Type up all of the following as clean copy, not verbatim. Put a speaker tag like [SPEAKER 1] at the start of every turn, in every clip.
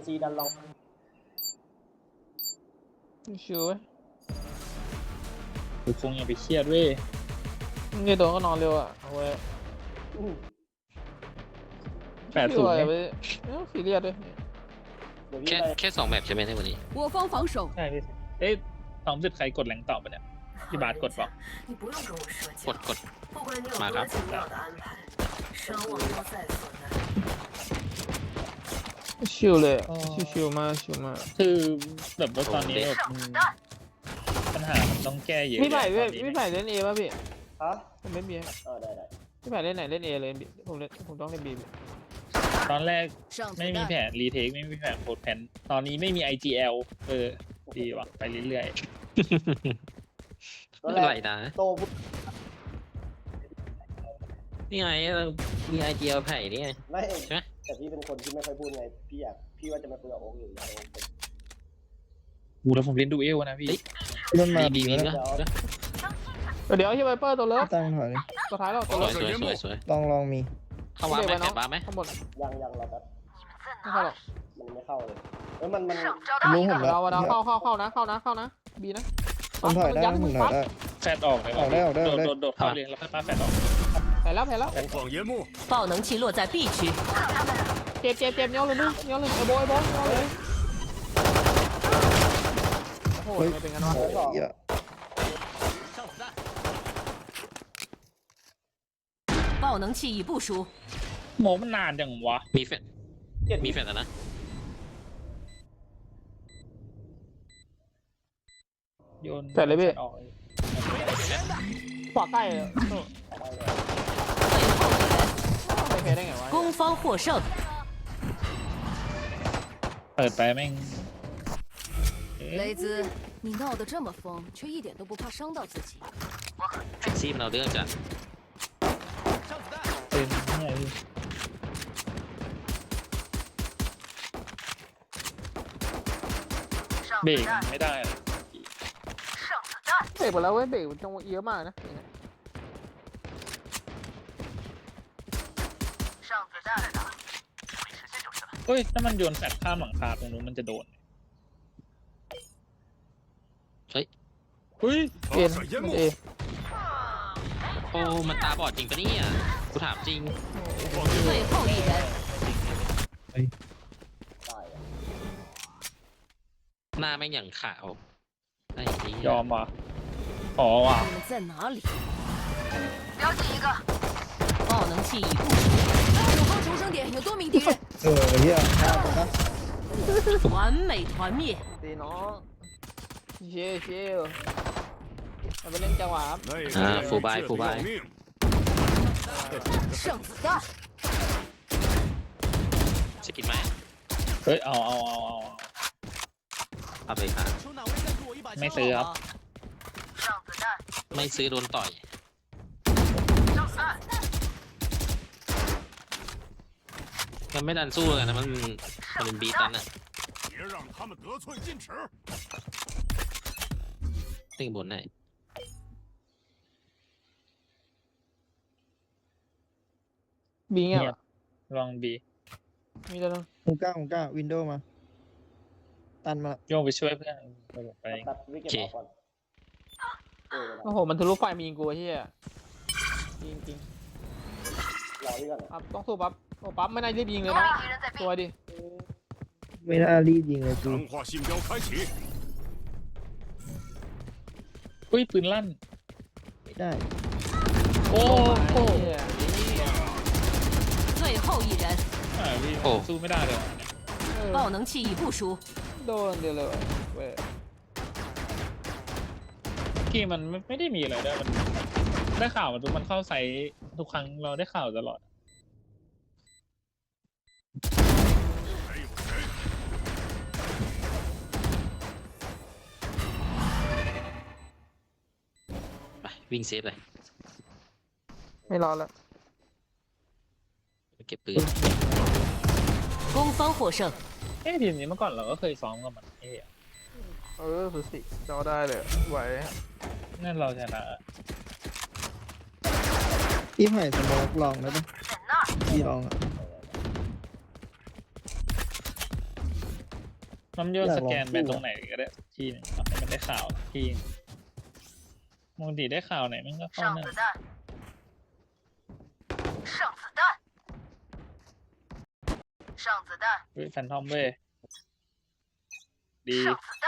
[SPEAKER 1] ซีดันลอง
[SPEAKER 2] ชิวเว้ย
[SPEAKER 3] กูคงอย่าไปเครียดเว้ย
[SPEAKER 2] นี่โดนก็นอนเร็วอ่ะเอาไว้
[SPEAKER 3] 80
[SPEAKER 2] ชิวอะ
[SPEAKER 3] เนี่ย
[SPEAKER 2] ไปซีเรียสด้วย
[SPEAKER 1] เดี๋ยวพี่
[SPEAKER 4] แค่
[SPEAKER 1] ไป
[SPEAKER 4] แค่2 แมปใช่ไหมในวันนี้
[SPEAKER 5] 我方防守，
[SPEAKER 3] ใช่พี่เอ๊ะ2 ใครกดแรงต่อปะเนี่ยพี่บาสกดเปล่า
[SPEAKER 6] 你不用跟我说
[SPEAKER 4] กด
[SPEAKER 6] 教，
[SPEAKER 4] กด
[SPEAKER 6] 不管你有
[SPEAKER 4] มาครับ
[SPEAKER 6] 多精妙的安排，伤亡都在所难。
[SPEAKER 2] ชิวเลยชิวมากชิวมาก
[SPEAKER 3] คือแบบว่าตอนนี้แบบปัญหามันต้องแก้เยอะ
[SPEAKER 2] พี่ไผ่เว้ย
[SPEAKER 3] ตอนนี้
[SPEAKER 2] พี่ไผ่เล่นเอป่ะพี่
[SPEAKER 1] ฮะ
[SPEAKER 2] ผมเล่นบี
[SPEAKER 1] ได้
[SPEAKER 2] พี่ไผ่เล่นไหนเล่นเอเลยผมต้องเล่นบี
[SPEAKER 3] ตอนแรก
[SPEAKER 5] 上子
[SPEAKER 3] ไม่มีแผ
[SPEAKER 5] 弹，
[SPEAKER 3] นรีเทคไม่มีแผนโคดแผนตอนนี้ไม่มี IGL ดีว่ะไปเรื่อย
[SPEAKER 1] ตอน
[SPEAKER 4] ไม่
[SPEAKER 1] แร
[SPEAKER 4] เป็นไร
[SPEAKER 1] ก
[SPEAKER 4] นะ
[SPEAKER 1] โตพุทธ
[SPEAKER 4] นี่ไงเรามีไอเดียไผ่นี่ไง
[SPEAKER 1] ไม่
[SPEAKER 4] ใช่ไหม
[SPEAKER 1] แต่พี่เป็นคนที่ไม่ค่อยพูดไงพี่ว่าจะมาคุยกับโอ๊คอยู่แล้ว
[SPEAKER 3] ๆกูแล้วผมเล่นดูเอลนะพี่
[SPEAKER 7] มันมา
[SPEAKER 4] บี
[SPEAKER 7] บี
[SPEAKER 4] บี
[SPEAKER 7] แล้ว
[SPEAKER 4] ก็
[SPEAKER 2] เดี๋ยวที่ไวเปอร์ตัวเลิฟ
[SPEAKER 7] ตั้งถอยเลย
[SPEAKER 2] ตัวท้ายแล้วตัว
[SPEAKER 4] ส
[SPEAKER 2] เลิ
[SPEAKER 4] วย
[SPEAKER 2] ฟ
[SPEAKER 4] สวย
[SPEAKER 7] ลองมี
[SPEAKER 4] เข้าวาร์ปไหมแปดวาร์ปไหม
[SPEAKER 2] ข้างบน
[SPEAKER 1] ยังเราแบบ
[SPEAKER 2] ไม่เข้าหรอก
[SPEAKER 1] มันไม่เข้าเลยมัน
[SPEAKER 7] รู้ผมแล้ว
[SPEAKER 2] เราเข้านะบีนะ
[SPEAKER 7] ผมถอยได้ผมถอยได้
[SPEAKER 3] แฟดออกเลย
[SPEAKER 7] ออกได้
[SPEAKER 3] โดดเข้าเลยแล้วค่อยปาแฟดออก
[SPEAKER 2] แผ่แล้ว
[SPEAKER 8] 投放烟幕，
[SPEAKER 5] 爆能器落在 B区，
[SPEAKER 2] เจ็บเนี้ยเลยมึงเนี้ยเลยไอ้โบเนี้ยเลยโอ้โหไม่เป็นกันวะ
[SPEAKER 7] เหี้ย
[SPEAKER 5] 爆能器已部署，
[SPEAKER 3] โมมันนานจังวะ
[SPEAKER 4] มีแฟนมีแฟนแล้วนะ
[SPEAKER 3] โยน
[SPEAKER 2] แผ่เลยพี่
[SPEAKER 3] ออก
[SPEAKER 2] ขวาใกล้เลย
[SPEAKER 5] 最后一人，
[SPEAKER 2] ไม่แพ้ได้ไงวะ
[SPEAKER 5] 攻方获胜。
[SPEAKER 3] เปิดไปแม่ง
[SPEAKER 5] 雷兹，你闹得这么疯，却一点都不怕伤到自己。
[SPEAKER 4] แท็กซี่มันเอาเรื่องจัด
[SPEAKER 3] เป็นเนี่ยพี่ เบรกไม่ได้อะ
[SPEAKER 2] เบรกหมดแล้วเว้ยเบรกจังหวะเยอะมากนะ
[SPEAKER 3] เฮ้ยถ้ามันโยนแฟดข้ามหลังคาตรงนู้นมันจะโดน
[SPEAKER 4] เฮ้ย
[SPEAKER 3] เฮ้ย
[SPEAKER 2] เอ็น
[SPEAKER 8] 发射烟
[SPEAKER 2] มัน
[SPEAKER 8] 幕
[SPEAKER 2] เอ，
[SPEAKER 4] โอ้มันตาบอดจริงปะเนี่ยกูถามจริง
[SPEAKER 5] 最后一人，
[SPEAKER 1] ได้
[SPEAKER 4] หน้าแม่งอย่างขาวไอ้นี่
[SPEAKER 3] ยอมว่ะขอว่ะ
[SPEAKER 5] 你们在哪里？爆能器已部署，友方重生点有多名敌人，
[SPEAKER 7] เหี้ยฆ่าผมนะ
[SPEAKER 5] 完美团灭。
[SPEAKER 2] ตีน้องเชี่ยวมาไปเล่นจังหวะครับ
[SPEAKER 8] 那个
[SPEAKER 4] 啊
[SPEAKER 8] 人
[SPEAKER 4] 腐败
[SPEAKER 8] 戒
[SPEAKER 4] 腐败
[SPEAKER 8] 得要命。
[SPEAKER 5] 上子弹，
[SPEAKER 4] จะกินไหม
[SPEAKER 3] เฮ้ยเอา
[SPEAKER 4] เอาไปค่ะ
[SPEAKER 3] ไม่ซื้อครับ
[SPEAKER 4] ไม่ซื้อโดนต่อยมันไม่ดันสู้กันนะมันเป็นบีตันอะ
[SPEAKER 8] 别让他们得寸进尺。
[SPEAKER 4] ตึงบนไหน
[SPEAKER 2] บีเงี้ย
[SPEAKER 3] เงียบ ลองบี
[SPEAKER 2] มีแต่นึง
[SPEAKER 7] ผมกล้าวินโดว์มา ตันมา
[SPEAKER 3] โยงไปช่วยเพื่อนไป
[SPEAKER 1] ตัดวิกเก็ตออกก่อน
[SPEAKER 2] โอ้โหมันทะลุไฟมียิงกูเฮียจริง
[SPEAKER 1] รอพี่ก่อน
[SPEAKER 2] ครับต้องสู้ปั๊บโอ้ปั๊บไม่น่ารีบยิงเลยนะตัวดิ
[SPEAKER 7] ไม่น่ารีบยิงเลยกู
[SPEAKER 8] 强化信标开启，
[SPEAKER 3] อุ้ยปืนลั่น
[SPEAKER 7] ไม่ได้
[SPEAKER 3] โอ้โห
[SPEAKER 5] 最后一人，
[SPEAKER 3] พี่สู้ไม่ได้เลย
[SPEAKER 5] 爆能器已部署，
[SPEAKER 2] โดนเดียวเลยเว้ย
[SPEAKER 3] กี้มันไม่ได้มีอะไรด้วยมันได้ข่าวมันเข้าไซต์ทุกครั้งเราได้ข่าวตลอด
[SPEAKER 8] 还有谁？
[SPEAKER 4] ไปวิ่งเซฟเลย
[SPEAKER 2] ไม่รอแล้ว
[SPEAKER 4] เก็บปืน
[SPEAKER 5] 攻方获胜。
[SPEAKER 3] ทีมนี้เมื่อก่อนเราก็เคยซ้อมกับมัน
[SPEAKER 2] สุดสิจอได้เลยไหว
[SPEAKER 3] นั่นเราชนะ
[SPEAKER 7] พี่ไผ่สโมกลองได้ปะพี่ลองอ่ะ
[SPEAKER 3] มันโยนสแกนไปตรงไหนก็ได้ทีนึงเอาให้มันได้ข่าวทีนึงปกติได้ข่าวไหนมันก็เข้า
[SPEAKER 6] 上
[SPEAKER 3] นั่น
[SPEAKER 6] 子弹，上子弹，上子弹，
[SPEAKER 3] เฮ้ยแฟนทอมเว้ยดี
[SPEAKER 6] 上子弹，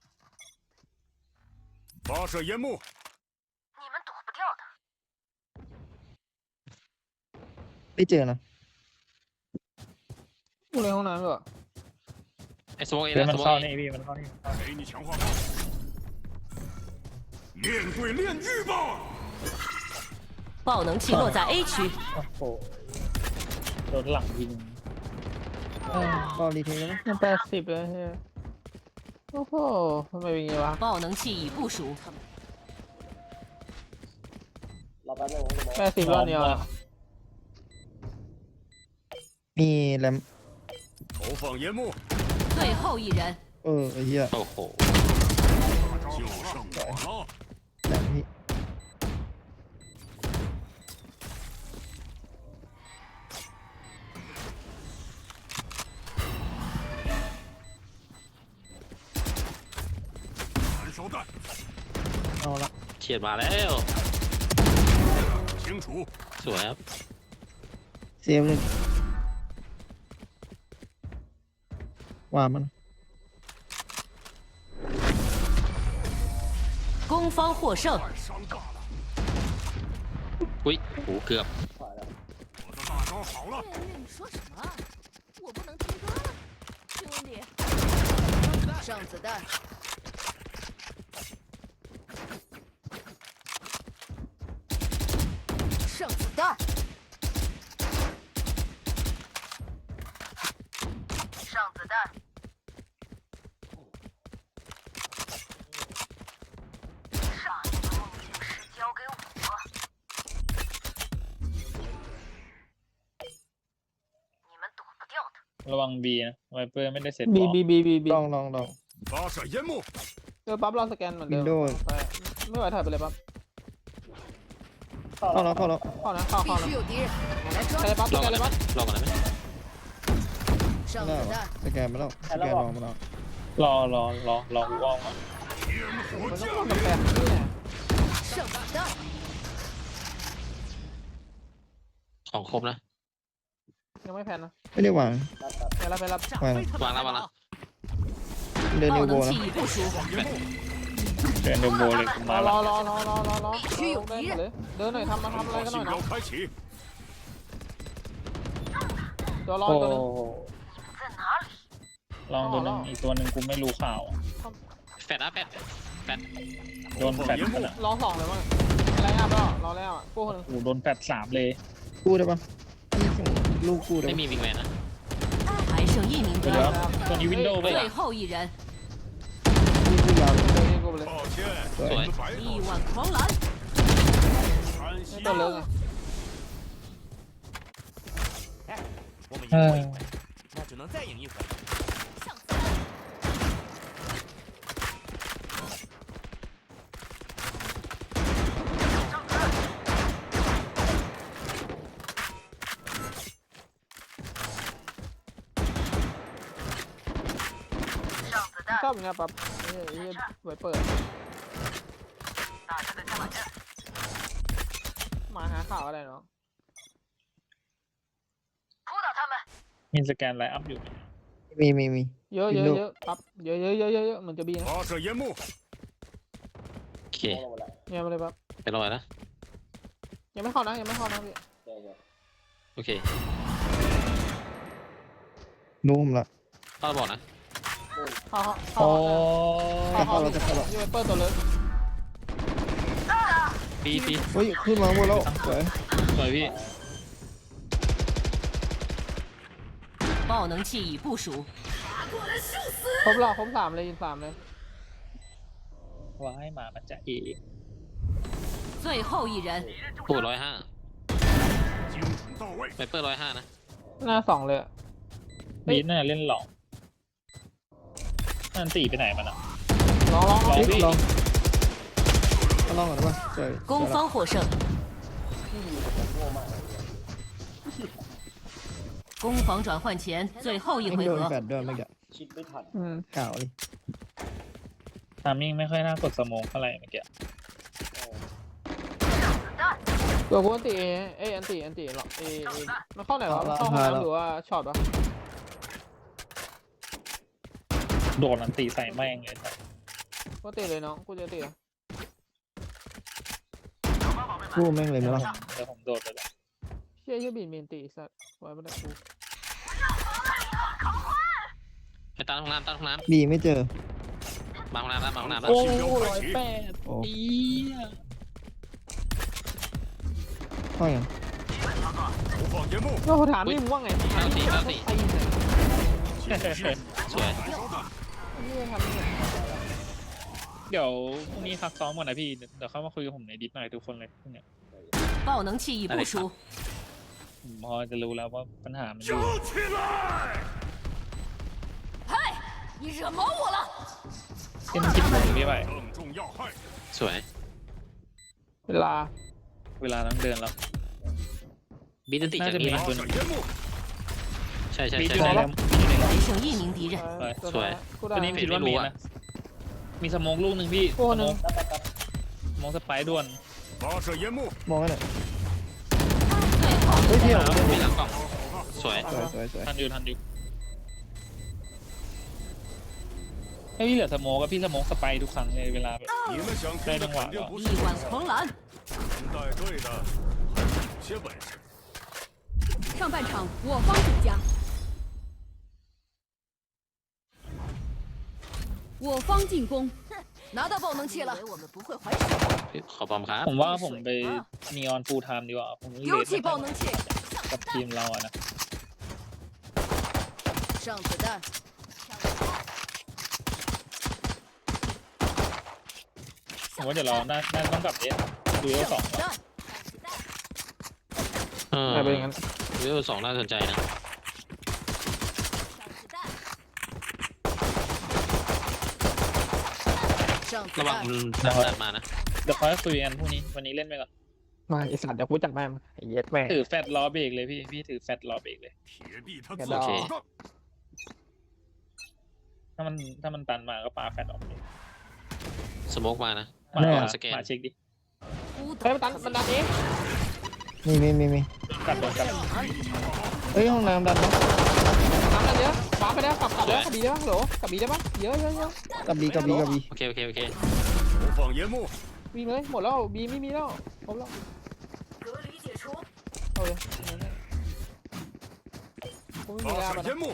[SPEAKER 8] 发射烟幕，
[SPEAKER 6] 你们躲不掉的。
[SPEAKER 7] ไม่เจอนะ
[SPEAKER 2] กูในห้องน้ำด้วย
[SPEAKER 4] ไอ้สโมกเอ
[SPEAKER 3] เดี๋ยว
[SPEAKER 4] นะ
[SPEAKER 3] มั
[SPEAKER 4] ส
[SPEAKER 3] น
[SPEAKER 4] โมก
[SPEAKER 3] เข้า
[SPEAKER 4] เอ
[SPEAKER 3] นี่พี่มันเข้านี่
[SPEAKER 8] 给你强化炮。面对炼狱吧！
[SPEAKER 9] 爆能器落在 A 区，
[SPEAKER 3] โอ้โหโดนหลังยิง
[SPEAKER 7] รอรีเทคแล้วนะ
[SPEAKER 2] มัน80เลยเฮ้ยโอ้โหทำไมเป็นอย่างงี้วะ
[SPEAKER 9] 爆能器已部署，
[SPEAKER 1] รอแป๊บนึงนะ
[SPEAKER 2] 80รอบเดียวอะ
[SPEAKER 7] มีแรม
[SPEAKER 8] 投放烟幕，
[SPEAKER 9] 最后一人，
[SPEAKER 7] ไอ้เหี้ย
[SPEAKER 4] โอ้โห
[SPEAKER 8] 就剩我了。
[SPEAKER 7] แรมพี่
[SPEAKER 8] 燃烧弹，
[SPEAKER 7] เอาละ
[SPEAKER 4] เฉียดมาแล้ว
[SPEAKER 8] 清除。
[SPEAKER 4] สวยครับ
[SPEAKER 7] เซฟเลยว่ามัน
[SPEAKER 9] 攻方获胜。
[SPEAKER 8] 太伤大了，
[SPEAKER 4] อุ้ยโอ้โหเกือบ
[SPEAKER 1] ผ่านแล้ว
[SPEAKER 8] 我的大招好了，
[SPEAKER 5] 月月，你说什么？我不能听歌了，兄弟。上子弹，上子弹，
[SPEAKER 6] 上子弹，上一个梦境师交给我，你们躲不掉的。
[SPEAKER 3] ระวังบีนะไวเปอร์ไม่ได้เสร็จ
[SPEAKER 2] บี
[SPEAKER 3] บอก
[SPEAKER 2] บีบีบีบี
[SPEAKER 7] ลอง
[SPEAKER 8] 发射烟幕，
[SPEAKER 2] ปั๊บเราสแกนเหมือนเดิม
[SPEAKER 7] Windows
[SPEAKER 2] ไปไม่ไหวถ่ายไปเลยปั๊บ
[SPEAKER 1] เข้า
[SPEAKER 7] เข้า
[SPEAKER 1] แล้
[SPEAKER 7] แล้ว วเข้าแล้ว
[SPEAKER 2] เข้านะเข้า
[SPEAKER 5] 必
[SPEAKER 2] เข้านะ
[SPEAKER 5] 须有敌人，我来
[SPEAKER 2] ใคร
[SPEAKER 5] 抓。
[SPEAKER 2] ปั๊บส
[SPEAKER 4] ลอง
[SPEAKER 2] แก
[SPEAKER 4] กัน
[SPEAKER 2] น
[SPEAKER 4] ได้
[SPEAKER 2] เลย
[SPEAKER 4] ไหม
[SPEAKER 2] ปั๊บ
[SPEAKER 4] ลองกันได้ไหม
[SPEAKER 5] 上
[SPEAKER 7] ได้
[SPEAKER 5] 子
[SPEAKER 7] เหรอ
[SPEAKER 5] 弹，
[SPEAKER 7] สแกนไปแล้วสแกนลองมาแล้ว
[SPEAKER 3] รอกูว่องก่อน
[SPEAKER 8] 烟火
[SPEAKER 2] มันต้อง
[SPEAKER 8] 降
[SPEAKER 2] เข้า
[SPEAKER 8] 临
[SPEAKER 2] กับ。8นี่แหละ
[SPEAKER 5] 上子弹，
[SPEAKER 4] ของครบนะ
[SPEAKER 2] ยังไม่แพนนะ
[SPEAKER 7] ไม่ได้วาง
[SPEAKER 1] รับครับ
[SPEAKER 2] ไปรับไปรับ
[SPEAKER 7] วาง
[SPEAKER 4] วางแล้ววางแล้ว
[SPEAKER 7] เดิน
[SPEAKER 9] 爆
[SPEAKER 7] นิวโบ
[SPEAKER 9] 能
[SPEAKER 7] นะ
[SPEAKER 9] 器已部署，
[SPEAKER 3] เดินเดโบเลยกูมาร
[SPEAKER 2] อ
[SPEAKER 3] ละ
[SPEAKER 2] รอเดินเลยเดินหน่อยทำอะไรกันหน่อย
[SPEAKER 8] 信
[SPEAKER 2] นะ
[SPEAKER 8] 标开启，
[SPEAKER 2] ตัวรอ
[SPEAKER 3] โอ้
[SPEAKER 2] ตัวนึง
[SPEAKER 6] 在哪里？
[SPEAKER 3] ลองตัวหนึงอีกตัวหนึ่งกูไม่รู้ข่าวอะ
[SPEAKER 4] แฟดนะแฟดแฟด
[SPEAKER 3] โดนแฟดมันอ่ะ
[SPEAKER 2] รอ2เลยมั้งอะไรอ่ะรอแล้วอ่ะกู้คนนึง
[SPEAKER 3] โอ้โหโดนแฟด3เลย
[SPEAKER 7] กู้ได้ปะพี่ส่งลูกกู้ได้
[SPEAKER 4] ไม่
[SPEAKER 7] ปะ
[SPEAKER 4] มีวิงแมนนะ
[SPEAKER 9] 还剩一名
[SPEAKER 3] เดี๋ยว
[SPEAKER 9] 敌人，
[SPEAKER 3] ตัวนี้วินโดว์ไป
[SPEAKER 9] 最后一人，
[SPEAKER 7] พี่กู้ยาวเลย
[SPEAKER 2] กู้ไปเลย
[SPEAKER 8] 抱歉，
[SPEAKER 7] 对
[SPEAKER 8] 你们白
[SPEAKER 9] 力
[SPEAKER 8] 了。
[SPEAKER 9] 挽狂澜，
[SPEAKER 8] 安
[SPEAKER 2] ไม่
[SPEAKER 8] 息
[SPEAKER 2] ตัวเลิกไง
[SPEAKER 10] 我们赢
[SPEAKER 3] เอ
[SPEAKER 10] 过
[SPEAKER 3] อ
[SPEAKER 10] 一回，那只能再赢一回。
[SPEAKER 5] 上子弹，
[SPEAKER 6] 上子弹
[SPEAKER 2] ชอบอย่างเงี้ยปั๊บไวเปิด
[SPEAKER 6] 打这个加满阵，
[SPEAKER 2] มาหาข่าวอะไรเนาะ
[SPEAKER 6] 扑倒他们！
[SPEAKER 3] มีสแกนไลน์อัพอยู่
[SPEAKER 7] มี
[SPEAKER 2] เยอะปั๊บเยอะเหมือนจะบีนะ
[SPEAKER 8] 发射烟幕，
[SPEAKER 4] โอเค
[SPEAKER 1] ลงหมดแล้ว
[SPEAKER 2] เนี่ยมาเลยปั๊บ
[SPEAKER 4] ไปรอนะ
[SPEAKER 2] ยังไม่เข้านะพี่
[SPEAKER 1] โอเคโอเค
[SPEAKER 4] โอเค
[SPEAKER 7] รู้ผมละ
[SPEAKER 4] เข้าบอกนะ
[SPEAKER 2] เข้า
[SPEAKER 3] โอ้
[SPEAKER 2] เข้ายูไวเปิดตัวเลิก
[SPEAKER 4] ปีปี
[SPEAKER 7] เฮ้ยขึ้นมาหมดแล้วสวย
[SPEAKER 4] สวยพี่
[SPEAKER 9] 爆能器已部署，
[SPEAKER 2] ครบ3เลยยิง3เลย
[SPEAKER 3] ว้ายหมามันจะเอ
[SPEAKER 9] 最后一人，
[SPEAKER 4] โอ้105
[SPEAKER 8] 精准到位。
[SPEAKER 4] ไวเปอร์105นะ
[SPEAKER 2] หน้า2เลย
[SPEAKER 3] บีน่าเล่นหลอกนั่นตีไปไหนมันอ่ะ
[SPEAKER 2] ลอง
[SPEAKER 7] เฮ้ยลองเอาลองก่อนได้ปะสวย
[SPEAKER 9] 攻方获胜，攻防转换前最后一
[SPEAKER 7] ไม่
[SPEAKER 9] 回
[SPEAKER 7] โดน
[SPEAKER 9] 合
[SPEAKER 7] แฟ，ดด้วยเมื่อกี้
[SPEAKER 1] คิดไม่ทัน
[SPEAKER 7] ข่าวเลย
[SPEAKER 3] ทามมิ่งไม่ค่อยน่ากดสโมองเท่าไหร่เมื่อกี้
[SPEAKER 2] ตัวกูอันตีอันตีหรอกมันเข้าไหนวะมันเข้าห้องน้ำหรือว่าช็อตวะ
[SPEAKER 3] โดนอันตีใส่แม่งเลยครับ
[SPEAKER 2] กูตีเลยน้องกูจะตี
[SPEAKER 7] กู้แม่งเลยไหมล่ะ
[SPEAKER 3] เดี๋ยวผมโดดไปแล้ว
[SPEAKER 2] เชี่ยบินเมนตีสัตว์ไว้ไม่ได้กู
[SPEAKER 4] ไปตามห้องน้ำตามห้องน้
[SPEAKER 7] บีไม่เจอ
[SPEAKER 4] ำมาห้องน้ำแล้วมาห้องน้ำแล้ว
[SPEAKER 3] โอ้ 108
[SPEAKER 7] โอ้
[SPEAKER 3] อี
[SPEAKER 7] เข้าอย่าง
[SPEAKER 8] 投放烟幕，
[SPEAKER 2] ก็ถามนี่มึงว่าไง
[SPEAKER 4] เอาสิเอาสิ สวย
[SPEAKER 3] เดี๋ยวพรุ่งนี้พักซ้อมก่อนนะพี่เดี๋ยวเข้ามาคุยกับผมในดิสหน่อยทุกคนเลยพรุ่งเนี้ย
[SPEAKER 9] 爆能器已部署，
[SPEAKER 3] ผมพอจะรู้แล้วว่าปัญหามันอยู่
[SPEAKER 8] 烧起来！
[SPEAKER 5] 你惹毛我了！
[SPEAKER 3] เป็นคิดมุมพี่ไป
[SPEAKER 8] 正中要害，
[SPEAKER 4] สวย
[SPEAKER 2] เวลา
[SPEAKER 3] เวลาต้องเดินแล้ว
[SPEAKER 4] บีตันติจากนี้
[SPEAKER 3] น่า
[SPEAKER 4] นะ
[SPEAKER 3] จะมี
[SPEAKER 8] 发射烟幕，
[SPEAKER 4] ใช่ใช่
[SPEAKER 3] มี
[SPEAKER 4] ใช่
[SPEAKER 3] อยู่
[SPEAKER 4] ใช่
[SPEAKER 3] ในแล้ว
[SPEAKER 9] 还剩一名敌人，
[SPEAKER 4] สวย
[SPEAKER 3] ตัวนี้คิดว่ามีนะมีสโมองลูกหนึ่งพี่สโมองสโมองสไปร์ด่วน
[SPEAKER 8] 发射烟幕，
[SPEAKER 7] มองกันหน่อยเฮ้ยเที่ยว
[SPEAKER 4] มีหลังกล่องสวย
[SPEAKER 7] สวย
[SPEAKER 3] ทันอยู่ให้พี่เหลือสโมองกับพี่สโมองสไปร์ทุกครั้งเลยเวลาแบบ
[SPEAKER 8] 你们想听的肯定不是
[SPEAKER 9] 力挽狂澜。
[SPEAKER 8] 能带队的，还是有些本事。
[SPEAKER 5] 上半场我方主家，我方进攻，拿到爆能器了
[SPEAKER 9] 以。为我们不会还手？
[SPEAKER 4] ขอบอมครับ
[SPEAKER 3] ผมว่าผมไปนีออนฟูลไทม์ดีกว่าผมเล
[SPEAKER 5] 丢
[SPEAKER 3] ท
[SPEAKER 5] 弃爆能器，
[SPEAKER 3] กับทีมเราอะนะ
[SPEAKER 5] 上子弹，
[SPEAKER 3] ผมว่าเดี๋ยวเราน่าต้องกลับเอสดูเอส
[SPEAKER 5] 上
[SPEAKER 3] สอง
[SPEAKER 5] 子弹，
[SPEAKER 2] เป็นอย่างนั้น
[SPEAKER 4] เวล2น่าสนใจนะ
[SPEAKER 5] 上子
[SPEAKER 4] ระวัง
[SPEAKER 5] 弹，
[SPEAKER 4] มันดันมานะ
[SPEAKER 3] เดี๋ยวค่อยคุยกันพรุ่งนี้วันนี้เล่นไปก่อน
[SPEAKER 2] มาไอสัตว์เดี๋ยวกูจัดแม่งไอเย็ดแม่
[SPEAKER 3] ถือแฟตล้อเบรกเลยพี่ถือแฟตล้อเบรกเลย
[SPEAKER 8] 铁臂他
[SPEAKER 2] 给
[SPEAKER 8] 自
[SPEAKER 2] 到
[SPEAKER 8] 己的，
[SPEAKER 3] ถ้ามันตันมาก็ปาแฟตออกเลย
[SPEAKER 4] สโมกมานะ
[SPEAKER 3] มา
[SPEAKER 4] สแกน
[SPEAKER 3] มาเช็คดิ
[SPEAKER 5] 孤
[SPEAKER 2] เฮ้ย
[SPEAKER 5] 独
[SPEAKER 2] มันดันเอง
[SPEAKER 7] มี
[SPEAKER 3] กลับโดนกลับ
[SPEAKER 7] เฮ้ยห้องน้ำดันปะ
[SPEAKER 2] น้ำดันเยอะวางไปแล้วกลับแล้วกลับบีได้ปะโหลกลับบีได้ปะเยอะ
[SPEAKER 7] กับบี
[SPEAKER 4] โอเคโอเคโอเค
[SPEAKER 8] 投放烟幕，
[SPEAKER 2] บีเลยหมดแล้วบีไม่มีแล้วครบแล้ว
[SPEAKER 6] 隔离解除，
[SPEAKER 2] เอาเลยกูไม่มีแล้ว
[SPEAKER 8] 发射烟幕，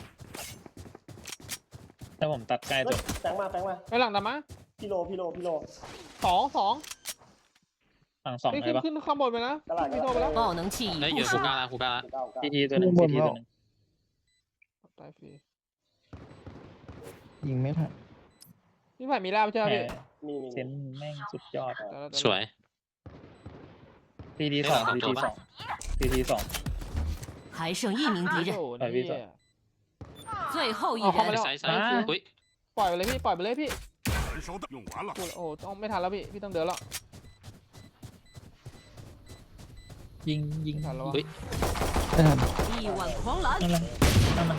[SPEAKER 3] ถ้าผมตัดใกล้จบ
[SPEAKER 1] แฝงมา
[SPEAKER 2] ไอหลังดำมะ
[SPEAKER 1] พี่โล
[SPEAKER 2] สอง
[SPEAKER 3] ฝั่งสอง
[SPEAKER 2] นี่
[SPEAKER 3] เลยปะ
[SPEAKER 2] ขึ้นข้างบนไปนะพี่โทรไปแล้ว
[SPEAKER 9] 爆能器
[SPEAKER 4] เฮ้ย
[SPEAKER 9] 已
[SPEAKER 4] อยู่
[SPEAKER 9] 部
[SPEAKER 4] คู
[SPEAKER 9] 署，
[SPEAKER 4] ก้าละคูก้าละ
[SPEAKER 1] 9
[SPEAKER 3] ทีตัวหนึ่งทีตัวหนึ่ง
[SPEAKER 2] ตายฟรี
[SPEAKER 7] ยิงไม่ทัน
[SPEAKER 2] พี่ไผ่มีลาบใช่ไหม
[SPEAKER 3] แห
[SPEAKER 2] พี่
[SPEAKER 3] มเซนแม่งสุดยอด
[SPEAKER 4] สวย
[SPEAKER 3] ทีสองทีสอง
[SPEAKER 9] 还剩一名敌人，
[SPEAKER 2] โอ้โหนี่
[SPEAKER 9] 最后一
[SPEAKER 2] เอาเข้ามา
[SPEAKER 9] 人
[SPEAKER 2] แล้ว
[SPEAKER 4] ซ้ายซ้ายอุ้ย
[SPEAKER 2] ปล่อยไปเลยพี่ปล่อยไปเลยพี่
[SPEAKER 8] 燃烧弹用完了，
[SPEAKER 2] โอ้ต้องไม่ทันแล้วพี่ต้องเดินแล้ว
[SPEAKER 3] ยิง
[SPEAKER 2] ไม่ทันแล้ว
[SPEAKER 4] อุ้ย
[SPEAKER 7] ไม่ทัน
[SPEAKER 9] 力挽狂澜。
[SPEAKER 3] นั่นมัน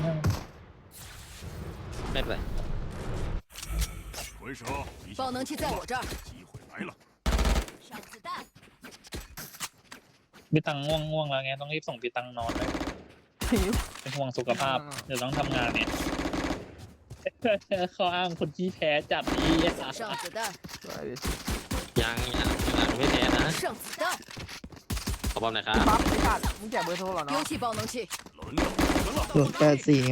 [SPEAKER 4] ไม่เป็นไร
[SPEAKER 8] 回手，一
[SPEAKER 5] 爆能器在我这儿，
[SPEAKER 8] 机会来了，
[SPEAKER 5] 上子弹，
[SPEAKER 3] พี่ตังง่วงแล้วไงต้องรีบส่งพี่ตังนอนเลยเป็นห่วงสุขภาพเดี๋ยวต้องทำงานเนี่ยข้ออ้างคนที่แพ้จัดนี้
[SPEAKER 5] 上子弹，
[SPEAKER 4] ยังไม่แพ้นะ
[SPEAKER 5] 上子弹，
[SPEAKER 4] ขอบอมหน่อยครับ
[SPEAKER 2] ปั๊บไอ้สัตว์มึงแจกเบอร์โทรเหรอ
[SPEAKER 5] 丢
[SPEAKER 2] เนาะ
[SPEAKER 5] 弃爆能器，
[SPEAKER 8] 轮到你们了，
[SPEAKER 7] ส่วน84ไง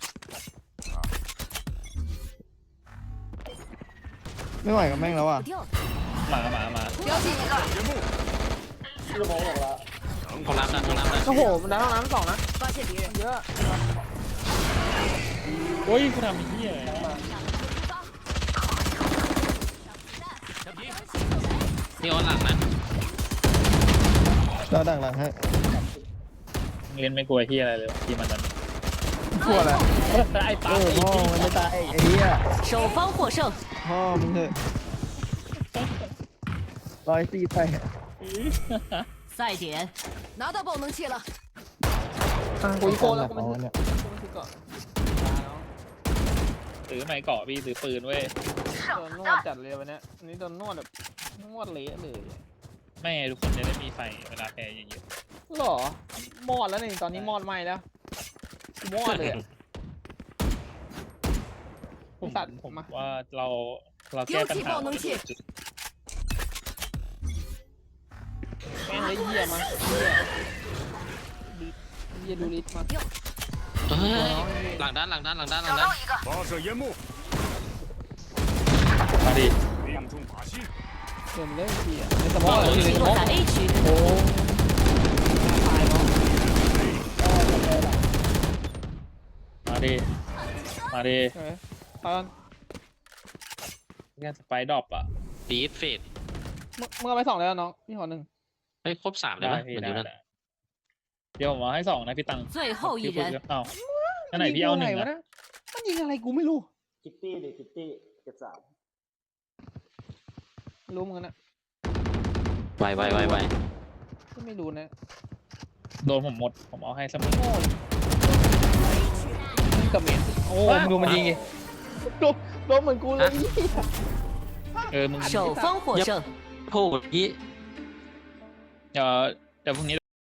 [SPEAKER 7] ไม่ไหวกับแม่งแล้วอ่ะ
[SPEAKER 5] 不掉了，
[SPEAKER 3] มา
[SPEAKER 5] 标记一个，
[SPEAKER 8] 烟幕，
[SPEAKER 1] พี่โลลงแล้ว
[SPEAKER 4] ห้องน้ำนะห้องน้ำนะ
[SPEAKER 2] โอ้โหมันดันห้องน้ำสองนะ
[SPEAKER 5] 发现敌人，
[SPEAKER 2] เยอะ
[SPEAKER 3] โอ้ยกูทำไอ้เหี้ย
[SPEAKER 4] นี่ออนหลังนะ
[SPEAKER 7] เราดังหลังให้
[SPEAKER 3] เล่นไม่กลัวเหี้ยอะไรเลยทีมันนั้น
[SPEAKER 7] กลัวอะไร
[SPEAKER 3] ไอ้
[SPEAKER 7] เอ
[SPEAKER 3] ปั๊
[SPEAKER 7] อพ่อมันไม่ตายไอ้เหี้ย
[SPEAKER 9] 首方获胜，
[SPEAKER 7] พ่อมึงเถอะ104ไป
[SPEAKER 9] 赛点
[SPEAKER 5] 拿到爆能器了，
[SPEAKER 2] กูอีโก้แล้วกู
[SPEAKER 7] อ๋
[SPEAKER 2] มัน
[SPEAKER 7] อเนี่ย
[SPEAKER 2] กูมันคือเกาะ
[SPEAKER 3] ซื้อไม้เกาะพี่ซื้อปืนเว้ย
[SPEAKER 2] โดนนวดจัดเลยวันเนี้ยอันนี้โดนนวดแบบนวดเละเลย
[SPEAKER 3] ไม่ให้ทุกคนจะได้มีไฟเวลาแพ้เยอะ
[SPEAKER 2] หรอมอดแล้วนี่ตอนนี้มอดไหมแล้วมอดเลยอะ
[SPEAKER 3] ๆผม
[SPEAKER 2] สัตว์
[SPEAKER 3] ผม
[SPEAKER 2] มา
[SPEAKER 3] ว่าเราแก้ปัญหา
[SPEAKER 2] แม่งเลยเหี้ยมาเหี้ยดูลิสมา
[SPEAKER 4] เฮ้ยหลังด้าน
[SPEAKER 6] 找到一个，
[SPEAKER 8] 发射烟幕，
[SPEAKER 3] มาดิ
[SPEAKER 8] 命中靶心。
[SPEAKER 2] เดินเลยเหี้ยในสมอง
[SPEAKER 9] 爆
[SPEAKER 2] เลย
[SPEAKER 9] 能
[SPEAKER 2] ใน
[SPEAKER 9] 器
[SPEAKER 2] สม
[SPEAKER 9] 落
[SPEAKER 2] อง
[SPEAKER 9] 在 A 区，
[SPEAKER 2] โอ้ตายเนาะ
[SPEAKER 3] มาดิมาดิ
[SPEAKER 2] เออตอน
[SPEAKER 3] แค่สไปดรอปอ่ะ
[SPEAKER 4] ดีฟเฟด
[SPEAKER 2] เมื่อไป2แล้วน้องพี่ขอ1
[SPEAKER 4] เฮ้ยครบ3เลย
[SPEAKER 3] ได้
[SPEAKER 4] ปะ
[SPEAKER 3] พี่
[SPEAKER 4] เหมือน
[SPEAKER 3] ได้
[SPEAKER 4] อยู่นั่น
[SPEAKER 3] ได้เดี๋ยวผมเอาให้2นะพี่ตัง
[SPEAKER 9] 最后一
[SPEAKER 3] พี่พูด
[SPEAKER 9] 人
[SPEAKER 3] เอ้าอันไหนพี่เอา1
[SPEAKER 2] วะ
[SPEAKER 3] นะ
[SPEAKER 2] นะมันยิงอะไรกูไม่รู้
[SPEAKER 1] คิตตี้ดิคิตตี้เก็บ3
[SPEAKER 2] รู้มึงนะ
[SPEAKER 4] ไว
[SPEAKER 2] ไม่รู้นะ
[SPEAKER 3] โดนผมหมดผมเอาให้เสมอ
[SPEAKER 2] โง่กับเมียนโอ้มึงดูมันยิงไงโดนเหมือนกูเลย
[SPEAKER 3] มึง
[SPEAKER 9] 首方获胜。
[SPEAKER 4] โผล่ยี่
[SPEAKER 3] เดี๋ยวพรุ่งนี้